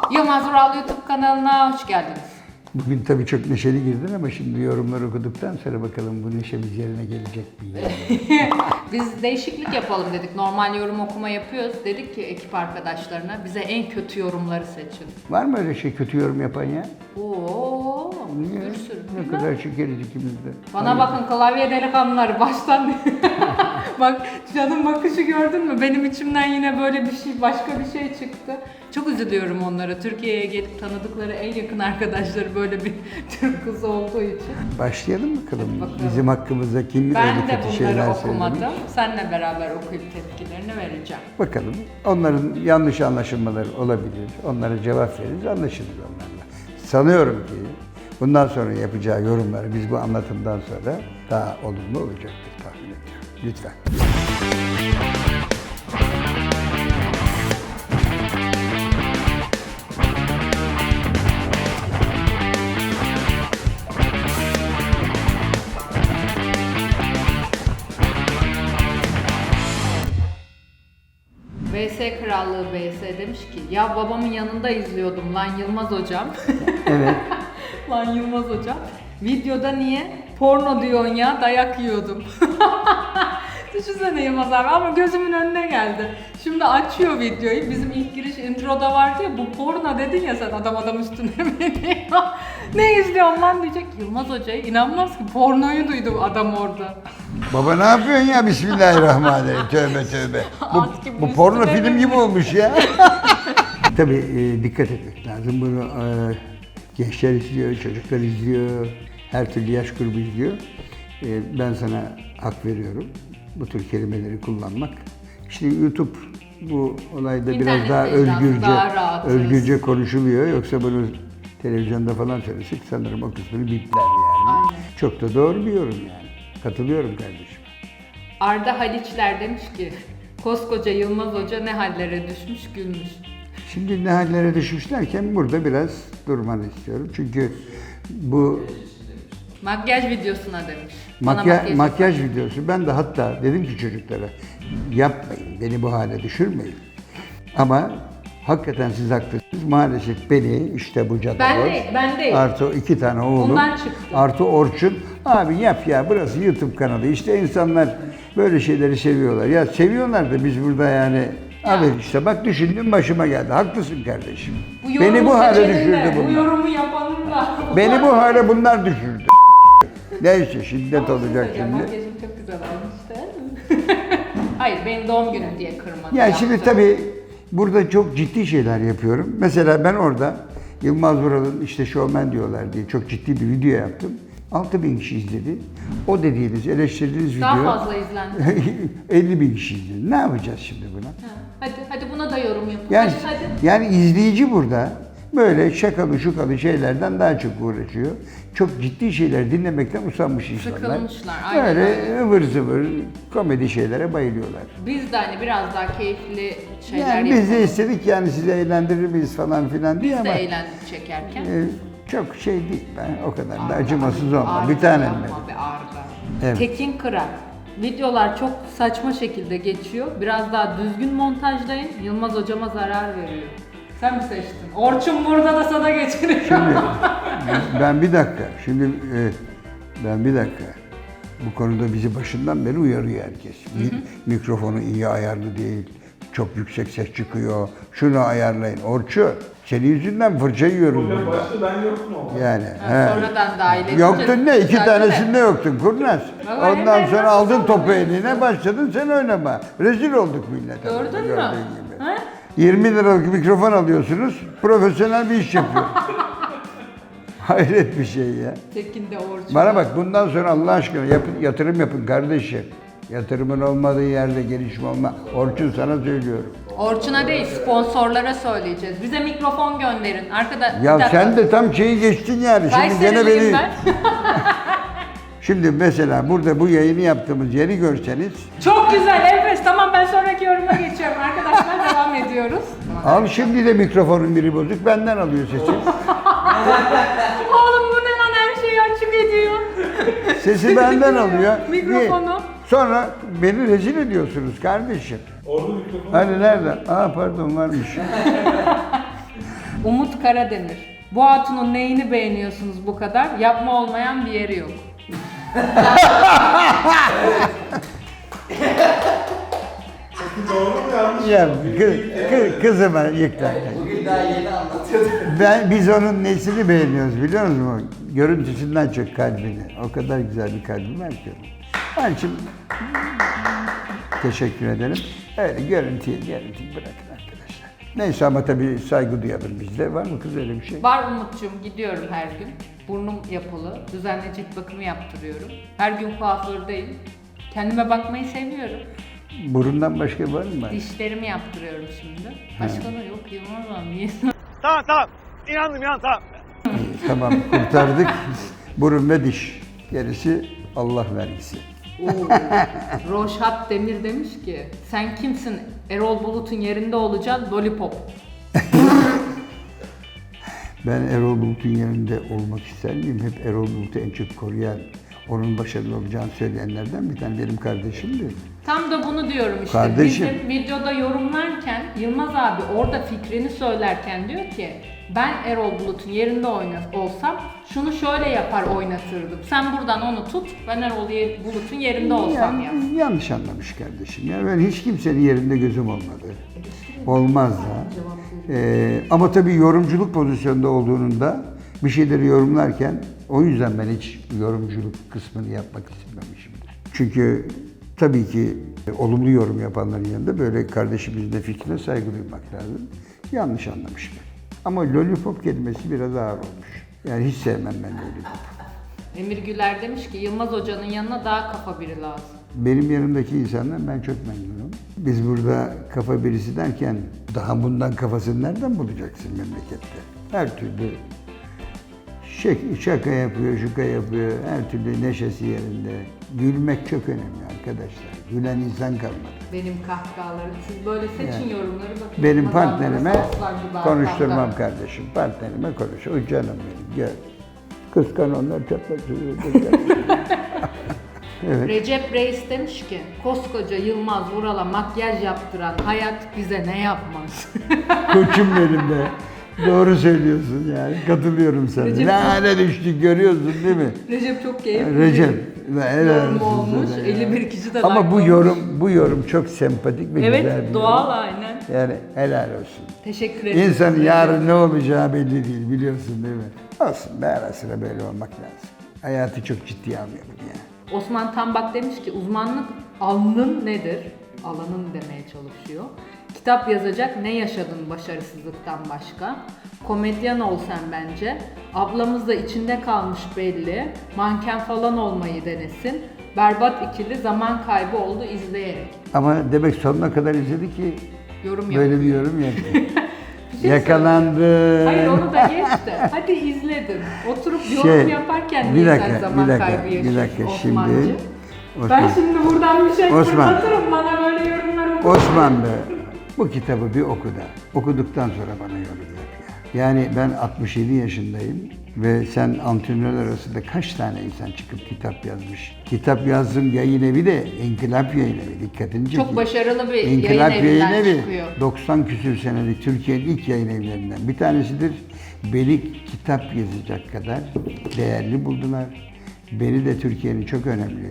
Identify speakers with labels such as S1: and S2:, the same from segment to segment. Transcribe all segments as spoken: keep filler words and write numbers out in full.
S1: Yılmaz Vural YouTube kanalına hoş geldiniz.
S2: Bugün tabii çok neşeli girdin ama şimdi yorumları okuduktan sonra bakalım bu neşemiz yerine gelecek mi?
S1: Biz değişiklik yapalım dedik. Normal yorum okuma yapıyoruz. Dedik ki ekip arkadaşlarına bize en kötü yorumları seçin.
S2: Var mı öyle şey kötü yorum yapan ya?
S1: Oo,
S2: Niye?
S1: bir sürü.
S2: Ne
S1: Bilmem.
S2: kadar şekeriz ikimiz de.
S1: Bana
S2: Hayır.
S1: bakın klavye delikanlıları baştan. Bak canım bakışı gördün mü? Benim içimden yine böyle bir şey, başka bir şey çıktı. Çok üzülüyorum onlara. Türkiye'ye gelip tanıdıkları en yakın arkadaşları böyle bir Türk kızı olduğu için.
S2: Başlayalım bakalım.
S1: Hadi bakalım.
S2: Bizim hakkımızda kim
S1: Ben
S2: öyle
S1: de
S2: kötü
S1: bunları
S2: şeyler
S1: okumadım.
S2: söylemiş.
S1: Seninle beraber okuyup tepkilerini vereceğim.
S2: Bakalım. Onların yanlış anlaşılmaları olabilir. Onlara cevap veririz, anlaşılır onlarla. Sanıyorum ki bundan sonra yapacağı yorumlar biz bu anlatımdan sonra daha olumlu olacaktır tahmin ediyorum. Lütfen.
S1: V S Krallığı V S demiş ki ya babamın yanında izliyordum lan Yılmaz hocam.
S2: Evet.
S1: Lan Yılmaz hocam. Videoda niye porno diyorsun ya dayak yiyordum. Düşünsene Yılmaz abi ama gözümün önüne geldi. Şimdi açıyor videoyu. Bizim ilk giriş introda vardı ya bu porno dedin ya sen adam adam üstüne biniyor. Ne izliyorsun lan diyecek. Yılmaz hocaya inanmaz ki pornoyu duydu adam orada.
S2: Baba ne yapıyorsun ya? Bismillahirrahmanirrahim. Tövbe tövbe. Bu,
S1: At gibi
S2: bu porno
S1: üstüne
S2: film
S1: mi?
S2: gibi olmuş ya. Tabii e, dikkat etmek lazım. Bunu e, gençler izliyor, çocuklar izliyor, her türlü yaş grubu izliyor. E, ben sana hak veriyorum. Bu tür kelimeleri kullanmak. İşte YouTube bu olayda biraz
S1: İnternet
S2: daha
S1: mecrası,
S2: özgürce,
S1: daha rahatız.
S2: özgürce konuşuluyor. Yoksa bunu televizyonda falan söylesek sanırım o kısmını bipler yani.
S1: Aynen.
S2: Çok da doğru bir yorum yani. Katılıyorum kardeşim.
S1: Arda Haliçler demiş ki koskoca Yılmaz Hoca ne hallere düşmüş gülmüş.
S2: Şimdi ne hallere düşmüşlerken burada biraz durmanı istiyorum. Çünkü bu
S1: Makyaj videosuna demiş. Bana
S2: makya,
S1: makyaj
S2: makyaj videosu, ben de hatta dedim ki çocuklara yapmayın, beni bu hale düşürmeyin. Ama hakikaten siz haklısınız. Maalesef beni işte bu cadı
S1: Ben
S2: var.
S1: değil, ben değil.
S2: Artı iki tane oğlum.
S1: Ondan çıktı.
S2: Artı Orçun. Abi yap ya, burası YouTube kanalı. İşte insanlar böyle şeyleri seviyorlar. Ya seviyorlar da biz burada yani abi işte bak düşündüm başıma geldi. Haklısın kardeşim.
S1: Bu
S2: Beni
S1: yorumu
S2: bu hale
S1: seçenin
S2: düşürdü
S1: de, Bu
S2: bunlar.
S1: yorumu yapanın da.
S2: Beni bu hale bunlar düşürdü. Neyse şiddet olacak
S1: Ya,
S2: şimdi.
S1: makyajım çok güzel olmuş değil mi? Hayır benim doğum günüm diye kırmadı.
S2: Ya
S1: yaptı.
S2: şimdi tabii burada çok ciddi şeyler yapıyorum. Mesela ben orada Yılmaz Vural'ın işte şovmen diyorlar diye çok ciddi bir video yaptım. altı bin kişi izledi. O dediğiniz, eleştirdiğiniz
S1: Daha
S2: video
S1: fazla izlendi.
S2: elli bin kişi izledi. Ne yapacağız şimdi buna?
S1: Ha, Hadi hadi buna da yorum yapın.
S2: Yani,
S1: hadi hadi.
S2: yani izleyici burada böyle şakalı şukalı şeylerden daha çok uğraşıyor. Çok ciddi şeyler dinlemekten usanmış insanlar.
S1: Sıkılmışlar, aynen
S2: Böyle
S1: öyle.
S2: ıvır zıvır komedi şeylere bayılıyorlar.
S1: Biz de hani biraz daha keyifli şeyler
S2: Yani biz de
S1: yapalım.
S2: istedik yani sizi eğlendirir miyiz falan filan diye
S1: Biz de
S2: ama
S1: eğlendik çekerken.
S2: e, çok şey değil ben o kadar da
S1: Arda,
S2: acımasız olma.
S1: Arda,
S2: Bir tanem
S1: yapma
S2: benim.
S1: be Arda.
S2: Evet.
S1: Tekin Kıran. Videolar çok saçma şekilde geçiyor. Biraz daha düzgün montajlayın. Yılmaz hocama zarar veriyor. Sen mi seçtin? Orçun burada da sana geçiriyor.
S2: Şimdi ben bir dakika. Şimdi e, ben bir dakika. Bu konuda bizi başından beri uyarıyor herkes. Mi- Mikrofonu iyi ayarlı değil. Çok yüksek ses çıkıyor. Şunu ayarlayın. Orçu, senin yüzünden fırça yiyorum
S3: Hocam
S2: burada.
S3: başta ben yoktum ama.
S2: Yani.
S1: Ha,
S2: he.
S1: sonradan dahil edince
S2: Yoktun ne? İki
S1: düzeldi de.
S2: tanesinde yoktun kurnaz.
S1: Baba,
S2: Ondan
S1: hemen
S2: sonra
S1: nasıl
S2: aldın topu
S1: savunuyorsun?
S2: eline başladın sen oynama. Rezil olduk millete.
S1: Gördün
S2: burada,
S1: mü?
S2: gördüğün gibi.
S1: Ha?
S2: yirmi liralık mikrofon alıyorsunuz, profesyonel bir iş yapıyor. Hayret bir şey ya.
S1: Tekin de Orçun.
S2: Bana bak bundan sonra Allah aşkına yapın, yatırım yapın kardeşim. Yatırımın olmadığı yerde gelişme olma. Orçun sana söylüyorum.
S1: Orçun'a değil sponsorlara söyleyeceğiz. Bize mikrofon gönderin. Arkada bir
S2: Ya
S1: dakika.
S2: sen de tam şeyi geçtin yani. Şimdi gene
S1: Kayseriliyim
S2: beni...
S1: ben.
S2: Şimdi mesela burada bu yayını yaptığımız yeri görseniz
S1: Çok güzel enfes. Tamam ben sonraki yoruma geçiyorum. Arkadaşlar devam ediyoruz.
S2: al şimdi de mikrofonun biri bozuk benden alıyor sesi.
S1: Oğlum bu ne lan her şeyi açık ediyor.
S2: Sesi benden alıyor.
S1: Mikrofonu.
S2: Niye? Sonra beni rezil ediyorsunuz kardeşim.
S3: Orada mikrofon.
S2: Hani nerede? Aa pardon varmış.
S1: Umut Karademir. Bu hatunun neyini beğeniyorsunuz bu kadar? Yapma olmayan bir yeri yok.
S3: Doğru mu yanlış?
S2: Ya kız, kız, kızıma yıklar.
S4: Bugün daha yeni anlatıyorduk.
S2: Ben, biz onun nesini beğeniyoruz biliyor musun? Görüntüsünden çok kalbini. O kadar güzel bir kalbi var ki. Onun için teşekkür ederim. Öyle görüntüyü, görüntüyü bırakın arkadaşlar. Neyse ama tabii saygı duyalım bizde. Var mı kız öyle bir şey?
S1: Var Umut'cum, gidiyorum her gün. Burnum yapılı, düzenli cilt bakımı yaptırıyorum. Her gün kuafördeyim. Kendime bakmayı seviyorum.
S2: Burundan başka var mı?
S1: Dişlerimi yaptırıyorum şimdi. Başka da yok Yılmaz abi. Niye?
S3: Tamam tamam. İnandım inan tamam.
S2: İyi, tamam kurtardık. Burun ve diş. Gerisi Allah vergisi.
S1: Oo. Roşat Demir demiş ki, sen kimsin? Erol Bulut'un yerinde olacaksın, Lollipop.
S2: Ben Erol Bulut'un yerinde olmak ister miyim? Hep Erol Bulut'u en çok koruyan, onun başarılı olacağını söyleyenlerden bir tane benim kardeşimdi.
S1: Tam da bunu diyorum işte.
S2: Kardeşim.
S1: Bizim videoda yorumlarken Yılmaz abi orada fikrini söylerken diyor ki, ben Erol Bulut'un yerinde oyna- olsam şunu şöyle yapar oynatırdım. Sen buradan onu tut, ben Erol Ye- Bulut'un yerinde olsam ya.
S2: Yani, yanlış anlamış kardeşim. Ya ben hiç kimsenin yerinde gözüm olmadı. Olmaz da. Ee, ama tabii yorumculuk pozisyonunda olduğunda bir şeyleri yorumlarken o yüzden ben hiç yorumculuk kısmını yapmak istememişimdir. Çünkü tabii ki e, olumlu yorum yapanların yanında böyle kardeşimizin de fikrine saygı duymak lazım. Yanlış anlamış beni. Ama lollipop kelimesi biraz ağır olmuş. Yani hiç sevmem ben lollipop.
S1: Emir Güler demiş ki, Yılmaz Hoca'nın yanına daha kafa biri lazım.
S2: Benim yanımdaki insanlar ben çok memnunum. Biz burada kafa birisi derken daha bundan kafasını nereden bulacaksın memlekette? Her türlü şek- şaka yapıyor, şuka yapıyor, her türlü neşesi yerinde. Gülmek çok önemli arkadaşlar. Gülen insan kalmadı.
S1: Benim kahkahalarım. Siz böyle seçin
S2: Yani.
S1: yorumları bakın.
S2: Benim
S1: Yılmaz abla
S2: partnerime
S1: soslar gibi
S2: konuşturmam
S1: kahkaha.
S2: kardeşim. Partnerime konuş. O canım benim. Gel. Kıskan onlar çatlatıyor. Evet.
S1: Recep Reis demiş ki, koskoca Yılmaz Vural'a makyaj yaptıran hayat bize ne yapmaz?
S2: Koçum benim de. Doğru söylüyorsun yani. Katılıyorum sana.
S1: Recep-
S2: Ne hale düştük görüyorsun değil mi?
S1: Recep çok keyifli.
S2: Recep. helal
S1: Yorum
S2: olsun
S1: olmuş.
S2: sana ya.
S1: elli bir kişi de
S2: Ama
S1: like
S2: bu
S1: olmuş.
S2: yorum bu yorum çok sempatik ve güzel
S1: Evet,
S2: bir
S1: doğal
S2: yorum.
S1: aynen.
S2: Yani helal olsun.
S1: Teşekkür ederim.
S2: İnsanın yarın ne olacağı belli değil biliyorsun değil mi? Olsun be ara sıra böyle olmak lazım. Hayatı çok ciddiye almayalım ya.
S1: Osman Tambak demiş ki, uzmanlık alanın nedir? Alanın demeye çalışıyor. Kitap yazacak, ne yaşadın başarısızlıktan başka? Komedyen ol sen bence. Ablamız da içinde kalmış belli. Manken falan olmayı denesin. Berbat ikili zaman kaybı oldu izleyerek.
S2: Ama demek sonuna kadar izledi ki
S1: Yorum
S2: böyle
S1: yapıyor.
S2: bir yorum yaptı.
S1: Bir şey
S2: Yakalandı.
S1: Hayır onu da geçti. Hadi izledin. Oturup yorum
S2: Şey,
S1: yaparken
S2: bir
S1: niye
S2: dakika,
S1: sen zaman
S2: bir dakika,
S1: kaybı
S2: bir
S1: yaşıyorsun
S2: dakika.
S1: Osmancığım?
S2: Şimdi
S1: Ben
S2: Osman,
S1: şimdi buradan bir şey
S2: Osman.
S1: fırlatırım, bana böyle yorumlar okur.
S2: Osman be, bu kitabı bir oku da. Okuduktan sonra bana yorum yap ya. Yani ben altmış yedi yaşındayım ve sen antrenörler arasında kaç tane insan çıkıp kitap yazmış? Kitap yazdım yayın evi de İnkılap Yayın Evi. Dikkatini çekeyim.
S1: Çok başarılı bir
S2: İnkılap
S1: yayın evinden
S2: Yayın Evi
S1: çıkıyor.
S2: doksan küsür senelik Türkiye'nin ilk yayın evlerinden bir tanesidir. Beni kitap yazacak kadar değerli buldular. Beni de Türkiye'nin çok önemli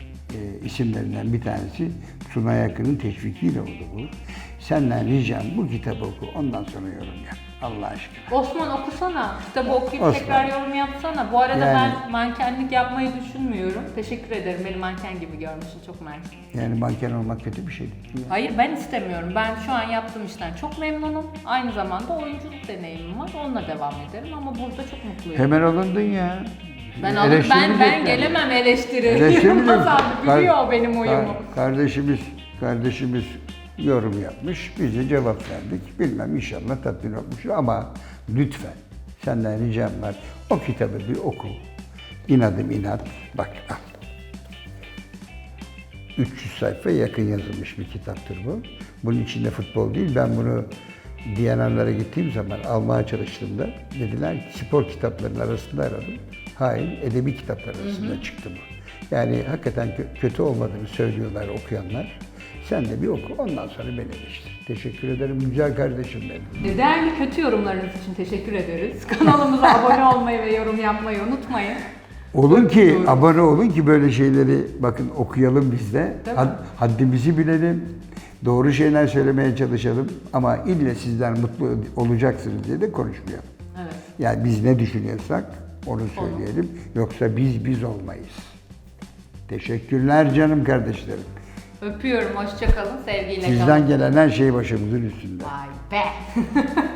S2: e, isimlerinden bir tanesi Sunay Akın'ın teşvikiyle oldu bu. Senden ricam bu kitabı oku, ondan sonra yorum yap. Allah aşkına.
S1: Osman okusana. Kitabı okuyup
S2: Osman.
S1: tekrar yorum yapsana. Bu arada
S2: Yani-
S1: ben mankenlik yapmayı düşünmüyorum. Teşekkür ederim. Beni manken gibi görmüşsün. Çok mersi.
S2: Yani manken olmak kötü bir şey değil. Ya.
S1: Hayır ben istemiyorum. Ben şu an yaptığım işten çok memnunum. Aynı zamanda oyunculuk deneyimim var. Onunla devam ederim ama burada çok mutluyum.
S2: Hemen alındın ya.
S1: Ben alın, ben ben
S2: Eleştirilecek
S1: gelemem eleştiri.
S2: Eleştiri
S1: Yılmaz
S2: mi?
S1: abi
S2: Kar-
S1: biliyor o benim uyumu.
S2: kar- Kardeşimiz, kardeşimiz yorum yapmış, biz de cevap verdik. Bilmem inşallah tatmin olmuştur ama lütfen senden ricam var. O kitabı bir oku. İnadım inat. Bak al. üç yüz sayfa yakın yazılmış bir kitaptır bu. Bunun içinde futbol değil. Ben bunu D N R'lara gittiğim zaman almaya çalıştığımda dediler ki spor kitaplarının arasında aradım. Hayır, edebi kitaplar arasında çıktı bu. Yani hakikaten kö- kötü olmadığını söylüyorlar okuyanlar. Sen de bir oku, ondan sonra beni eleştir. Teşekkür ederim güzel kardeşim benim.
S1: Değerli kötü yorumlarınız için teşekkür ederiz. Kanalımıza abone olmayı ve yorum yapmayı unutmayın.
S2: Olun ki,
S1: Öpüyoruz.
S2: abone olun ki böyle şeyleri bakın okuyalım biz de.
S1: Değil mi?
S2: Had- haddimizi bilelim. Doğru şeyler söylemeye çalışalım. Ama ille sizler mutlu olacaksınız diye de konuşmayalım.
S1: Evet.
S2: Yani biz ne düşünüyorsak onu söyleyelim. Yoksa biz biz olmayız. Teşekkürler canım kardeşlerim.
S1: Öpüyorum, hoşça kalın, sevgiyle kalın.
S2: Sizden gelen her şey başımızın üstünde.
S1: Vay be.